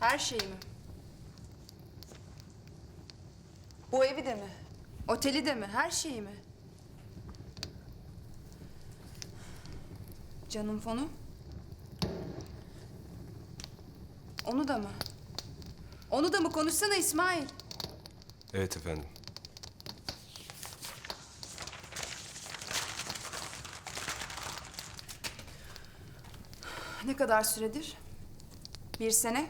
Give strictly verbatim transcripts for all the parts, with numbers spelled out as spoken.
Her şeyi mi? Bu evi de mi? Oteli de mi? Her şeyi mi? Canım fonu? Onu da mı? Onu da mı? Konuşsana İsmail. Evet efendim. Ne kadar süredir? Bir sene?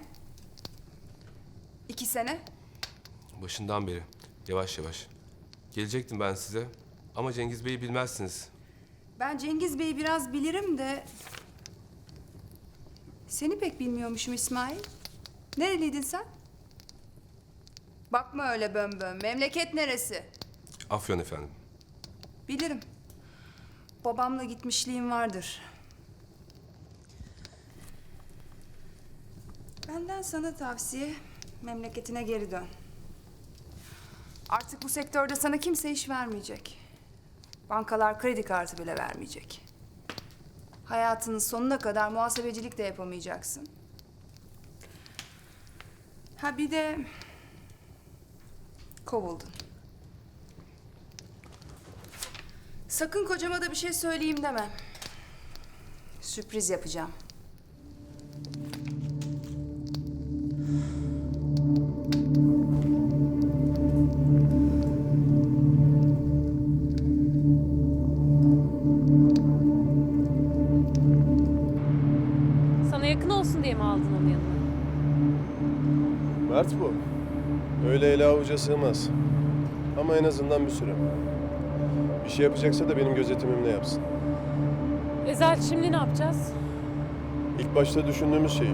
İki sene? Başından beri. Yavaş yavaş. Gelecektim ben size. Ama Cengiz Bey'i bilmezsiniz. Ben Cengiz Bey'i biraz bilirim de... Seni pek bilmiyormuşum İsmail. Nereliydin sen? Bakma öyle bön bön. Memleket neresi? Afyon efendim. Bilirim. Babamla gitmişliğim vardır. Benden sana tavsiye, memleketine geri dön. Artık bu sektörde sana kimse iş vermeyecek. Bankalar kredi kartı bile vermeyecek. Hayatının sonuna kadar muhasebecilik de yapamayacaksın. Ha bir de kovuldun. Sakın kocama da bir şey söyleyeyim deme. Sürpriz yapacağım. Sana yakın olsun diye mi aldın onu yanına? Mert bu. Öyle ele avuca sığmaz. Ama en azından bir süre. Bir şey yapacaksa da benim gözetimimle yapsın. Ezel şimdi ne yapacağız? İlk başta düşündüğümüz şey.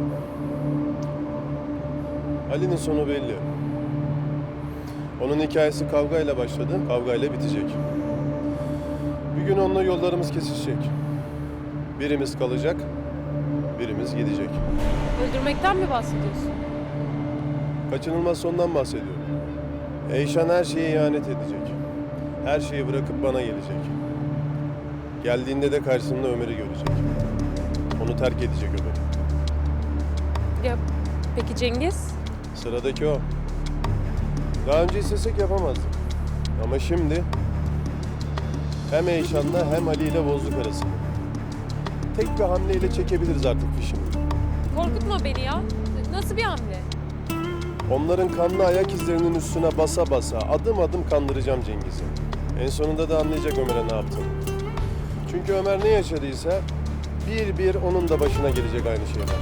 Ali'nin sonu belli. Onun hikayesi kavgayla başladı, kavgayla bitecek. Bir gün onunla yollarımız kesişecek. Birimiz kalacak, birimiz gidecek. Öldürmekten mi bahsediyorsun? Kaçınılmaz sondan bahsediyorum. Eyşan her şeye ihanet edecek. Her şeyi bırakıp bana gelecek. Geldiğinde de karşısında Ömer'i görecek. Onu terk edecek Ömer. Ya peki Cengiz? Sıradaki o. Daha önce istesek yapamazdık. Ama şimdi hem Eyşan'la hem Ali ile bozduk arasını. Tek bir hamleyle çekebiliriz artık fişini. Korkutma beni ya. Nasıl bir hamle? Onların kanlı ayak izlerinin üstüne basa basa adım adım kandıracağım Cengiz'i. En sonunda da anlayacak Ömer'e ne yaptığını. Çünkü Ömer ne yaşadıysa bir bir onun da başına gelecek aynı şeyler.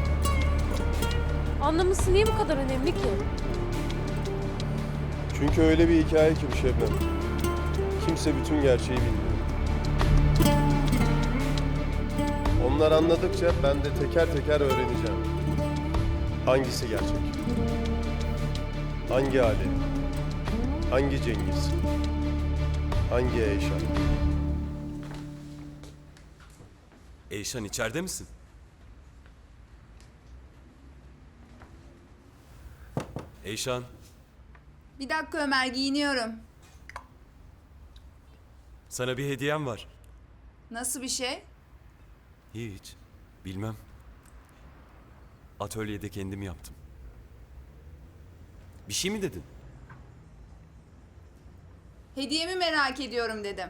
Anlaması niye bu kadar önemli ki? Çünkü öyle bir hikaye ki bu Şebnem. Kimse bütün gerçeği bilmiyor. Onlar anladıkça ben de teker teker öğreneceğim. Hangisi gerçek? Hangi Ali? Hangi Cengiz? Hangi Eyşan? Eyşan içeride misin? Eyşan, Bir dakika Ömer, giyiniyorum. sana bir hediyem var. Nasıl bir şey? Hiç, bilmem. Atölyede kendim yaptım. Bir şey mi dedin? Hediyemi merak ediyorum dedim.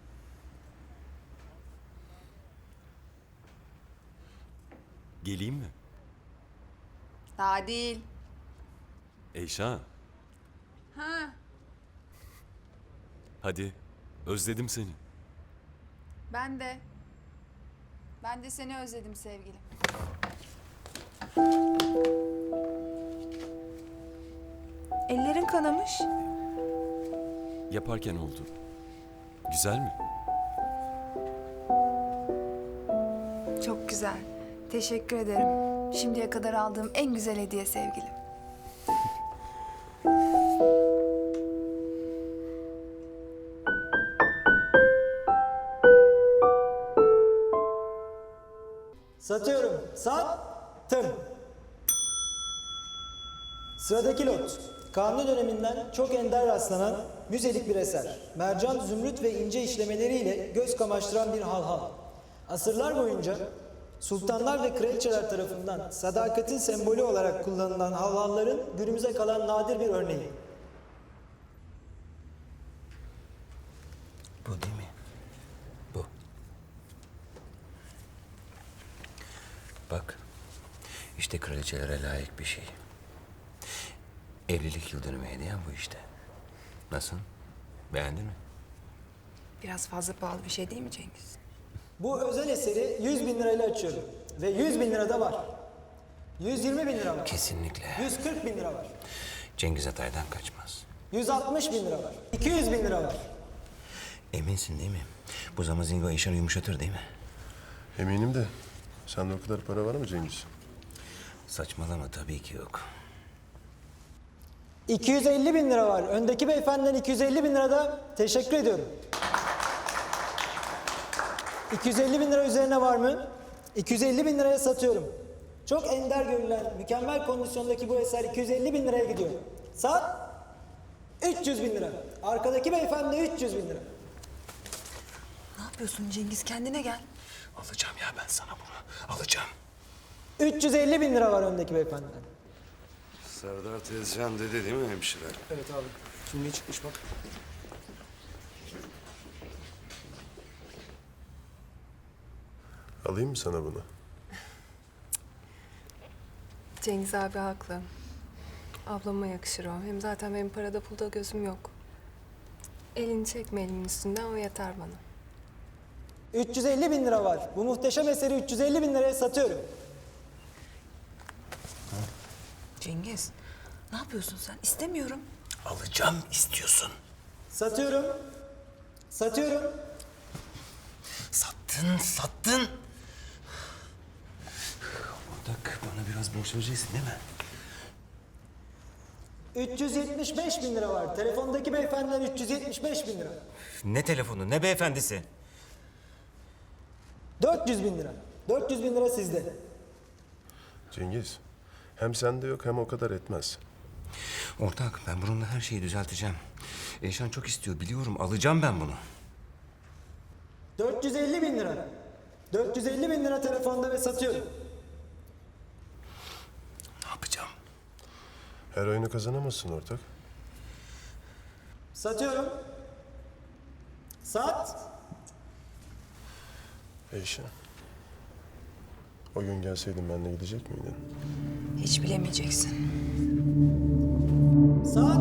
Geleyim mi? Daha değil. Eyşan, Ha, hadi. Özledim seni. ben de. Ben de seni özledim sevgilim. Ellerin kanamış. Yaparken oldu. Güzel mi? Çok güzel. Teşekkür ederim. Şimdiye kadar aldığım en güzel hediye sevgilim. Satıyorum. Sattım. Sıradaki lot. Kanuni döneminden çok ender rastlanan müzelik bir eser. Mercan, zümrüt ve ince işlemeleriyle göz kamaştıran bir halhal. Asırlar boyunca sultanlar ve kraliçeler tarafından sadakatin sembolü olarak kullanılan havvalların günümüze kalan nadir bir örneği. Bu değil mi? Bu. Bak, işte kraliçelere layık bir şey. Evlilik yıl dönümü hediyem bu işte. Nasıl? Beğendin mi? Biraz fazla pahalı bir şey değil mi Cengiz? Bu özel eseri yüz bin lirayla açıyorum. Ve yüz bin lira da var. yüz yirmi bin lira var. Kesinlikle. yüz kırk bin lira var. Cengiz Atay'dan kaçmaz. yüz altmış bin lira var. iki yüz bin lira var. Eminsin değil mi? Bu zamazingo işini yumuşatır değil mi? Eminim de sende o kadar para var mı Cengiz? Saçmalama, tabii ki yok. iki yüz elli bin lira var. Öndeki beyefendiden iki yüz elli bin lira da teşekkür ediyorum. iki yüz elli bin lira üzerine var mı? iki yüz elli bin liraya satıyorum. Çok ender görülen, mükemmel kondisyondaki bu eser iki yüz elli bin liraya gidiyor. Sat üç yüz bin lira. Arkadaki beyefendi üç yüz bin lira. Ne yapıyorsun Cengiz? Kendine gel. Alacağım ya ben sana bunu. Alacağım. üç yüz elli bin lira var öndeki beyefendiden. Serdar Tezcan dedi değil mi hemşire? Evet abi. Şimdi çıkmış bak. Alayım mı sana bunu? Cengiz abi haklı. Ablama yakışır o. Hem zaten benim parada pulda gözüm yok. Elini çekme elimin üstünden, o yeter bana. üç yüz elli bin lira var. Bu muhteşem eseri üç yüz elli bin liraya satıyorum. Cengiz, ne yapıyorsun sen? İstemiyorum. Alacağım istiyorsun. Satıyorum. Satıyorum. Sattın, sattın. Ortak, bana biraz borç vereceksin değil mi? üç yüz yetmiş beş bin lira var. Telefondaki beyefendiden üç yüz yetmiş beş bin lira. Ne telefonu, ne beyefendisi? dört yüz bin lira. dört yüz bin lira sizde. Cengiz, hem sende yok hem o kadar etmez. Ortak, ben bununla her şeyi düzelteceğim. Eyşan çok istiyor, biliyorum. Alacağım ben bunu. dört yüz elli bin lira. dört yüz elli bin lira telefonda ve satıyorum. Ne yapacağım? Her oyunu kazanamazsın ortak. Satıyorum. Sat. Eyşan. O gün gelseydin benimle gidecek miydin? Hiç bilemeyeceksin. Sat.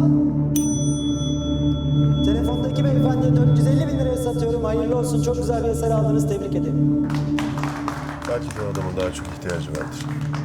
Telefondaki beyefendiye dört yüz elli bin liraya satıyorum. Hayırlı olsun. Çok güzel bir eser aldınız. Tebrik ederim. Belki de o adamın daha çok ihtiyacı vardır.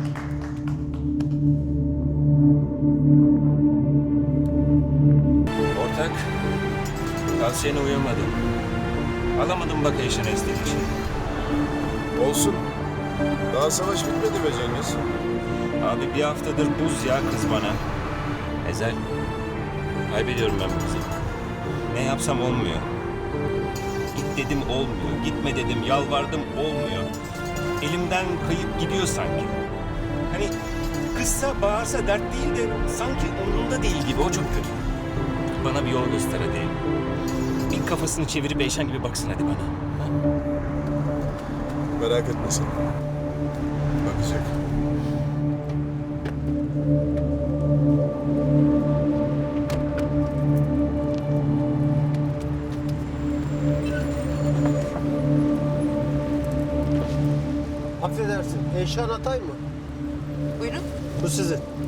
Ortak, tavsiyene uyamadım. Alamadım bak Eyşan istediği için. Olsun. Daha savaş bitmedi be Cengiz. Abi bir haftadır buz ya kız bana. Ezel, kaybediyorum ben bu kızı. Ne yapsam olmuyor. Git dedim olmuyor, gitme dedim, yalvardım olmuyor. Elimden kayıp gidiyor sanki. Hani kızsa bağırsa dert değil de sanki umurumda değil gibi, o çok kötü. Bana bir yol göster hadi. Bir kafasını çevirip Eyşan gibi baksın hadi bana. Ha? Merak etme sen. Bakacak. Affedersin, Eyşan Atay mı? Buyurun. Bu sizin.